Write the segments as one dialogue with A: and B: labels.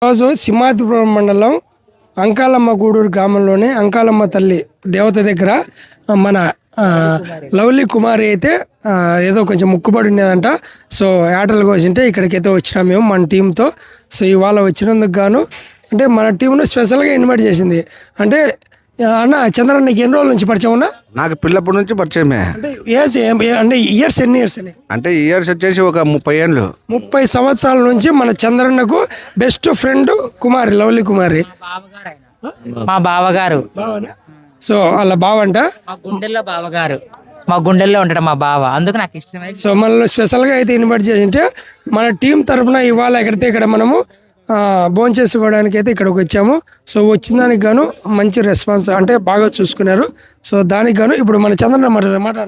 A: రోజు సింహాద్రిపురం మండలం అంకాలమ్మ గూడూరు గ్రామంలోని అంకాలమ్మ తల్లి దేవత దగ్గర మన లవ్లీ కుమారి అయితే ఏదో కొంచెం ముక్కుబడి ఉండేదంట. సో ఆటలు కోసింటే ఇక్కడికైతే వచ్చినాం మేము మన టీంతో. సో ఇవాళ వచ్చినందుకు గాను అంటే మన టీంను స్పెషల్గా ఇన్వైట్ చేసింది. అంటే అన్న చంద్రన్న నీకు ఎన్ని రోజుల నుంచి పరిచయం ఉన్నా?
B: నాకు పిల్లప్పటి నుంచి పరిచయమే.
A: అంటే అంటే ఇయర్స్ ఎన్ని ఇయర్స్ అని?
B: అంటే ఇయర్స్ వచ్చేసి ఒక 30 ఏళ్ళు.
A: 30 సంవత్సరాల నుంచి మన చంద్రన్నకు best friend Kumari, lovely Kumari
C: మా బావగారు.
A: సో వాళ్ళ బావంట
C: మా గుండెల్లో బావగారు, మా గుండెల్లో ఉంటాడు మా బావ, అందుకు నాకు ఇష్టమై.
A: సో మనల్ని స్పెషల్గా అయితే ఇన్వైట్ చేసింటే మన టీం తరఫున ఇవాళ ఎక్కడితే ఇక్కడ మనము భోజనం చేసుకోవడానికి అయితే ఇక్కడికి వచ్చాము. సో వచ్చిన దానికి గాను మంచి రెస్పాన్స్ అంటే బాగా చూసుకున్నారు. సో దానికి గాను ఇప్పుడు మన చంద్రన్న మాట్లాడ.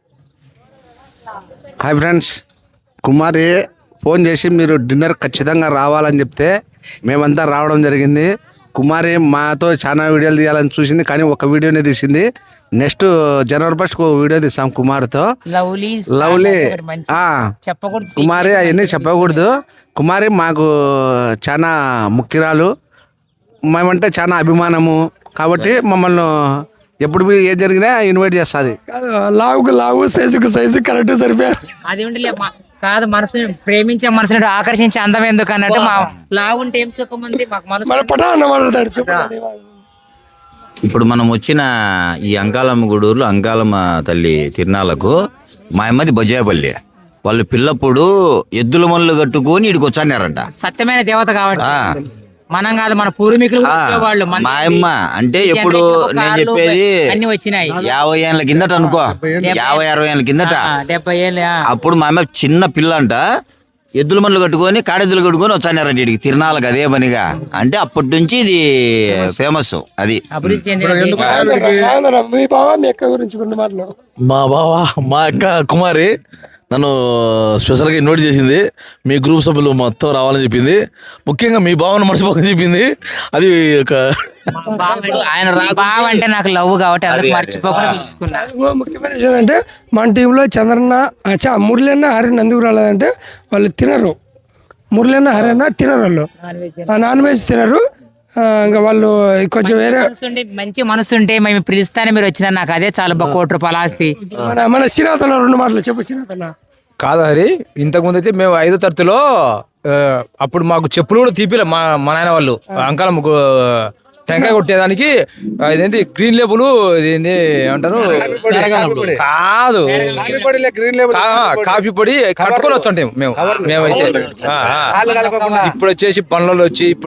B: హాయ్ ఫ్రెండ్స్, కుమారి ఫోన్ చేసి మీరు డిన్నర్ ఖచ్చితంగా రావాలని చెప్తే మేమంతా రావడం జరిగింది. కుమారి మాతో చాలా వీడియోలు తీయాలని చూసింది, కానీ ఒక వీడియోనే తీసింది. నెక్స్ట్ జనవరి 1st వీడియో తీసాం కుమారితో. లవ్లీ కుమారి అవన్నీ చెప్పకూడదు. కుమారి మాకు చాలా ముఖ్యురాలు, మేమంటే చాలా అభిమానము. కాబట్టి మమ్మల్ని ఎప్పుడు ఏం జరిగినా ఇన్వైట్ చేస్తుంది.
A: లావుకు లావు, సైజుకు సైజు కరెక్ట్ సరిపోయారు.
C: అది కాదు, మనసుని ప్రేమించే మనసుని ఆకర్షించే అందం ఎందుకు అన్నట్టు మా లావుంటే ఏం సుఖం ఉంది మాకు.
D: ఇప్పుడు మనం వచ్చిన ఈ అంకాలమ్మ గూడూరులో అంకాలమ్మ తల్లి తిరునాళ్ళకు మా అమ్మది బొజ్జాయపల్లి. వాళ్ళు పిల్లప్పుడు ఎద్దుల మనులు కట్టుకొని ఇడికి వచ్చారంట.
C: సత్యమైన దేవత కాబట్టి మనం కాదు, మన పూర్వీకులు వాళ్ళు.
D: మా అమ్మ అంటే ఎప్పుడు నేను చెప్పేది
C: అన్ని వచ్చినాయి
D: 50 ఏళ్ళ కిందట అనుకో, 50-60 ఏళ్ళ కిందట.
C: 70 ఏళ్ళు
D: అప్పుడు మా అమ్మ చిన్న పిల్ల అంట, ఎద్దుల మనులు కట్టుకొని కాడెద్దులు కట్టుకొని వచ్చారంట ఇడికి తిరునాళ్ళకి అదే పనిగా. అంటే అప్పటి నుంచి ఇది ఫేమస్. అది
C: అభివృద్ధి చెందిన
E: మా బావ మా అక్క కుమారి నన్ను స్పెషల్గా ఇన్వైట్ చేసింది. మీ గ్రూప్ సభ్యులు మొత్తం రావాలని చెప్పింది. ముఖ్యంగా మీ బావను మర్చిపోకని చెప్పింది. అది ఒక
D: ఆయన
C: బావ అంటే నాకు లవ్ కాబట్టి అందుకు మర్చిపోకుండా తీసుకున్నా.
A: ముఖ్యమైన విషయం ఏంటంటే మన టీంలో చంద్రన్న మురళన్న హరిణ ఎందుకు రాలేదంటే వాళ్ళు తినరు. మురళన్న హరిణ తినరు, వాళ్ళు నాన్ వెజ్ తినరు. ఇంకా వాళ్ళు కొంచెం వేరే
C: మంచి మనసు ఉంటే మేము పిలుస్తానే మీరు వచ్చినా నాకు అదే చాలా ₹1,00,00,000 ఆస్తి.
A: మన శ్రీనాథన్న 2 మాటలు చెప్పు శ్రీనాథన్న.
F: కాదు హరి, ఇంతకుముందు అయితే మేము 5వ తరగతిలో అప్పుడు మాకు చెప్పులు కూడా తీపిలే మా నాయన వాళ్ళు. అంకాలమ్మ టెంకాయ కొట్టేదానికి ఇదేంటి గ్రీన్ లేబుల్, ఇదేంటి ఏమంటారు, కాదు కాఫీ పొడి కట్టుకొని వచ్చాం మేమైతే. ఇప్పుడు వచ్చేసి పనులలో వచ్చి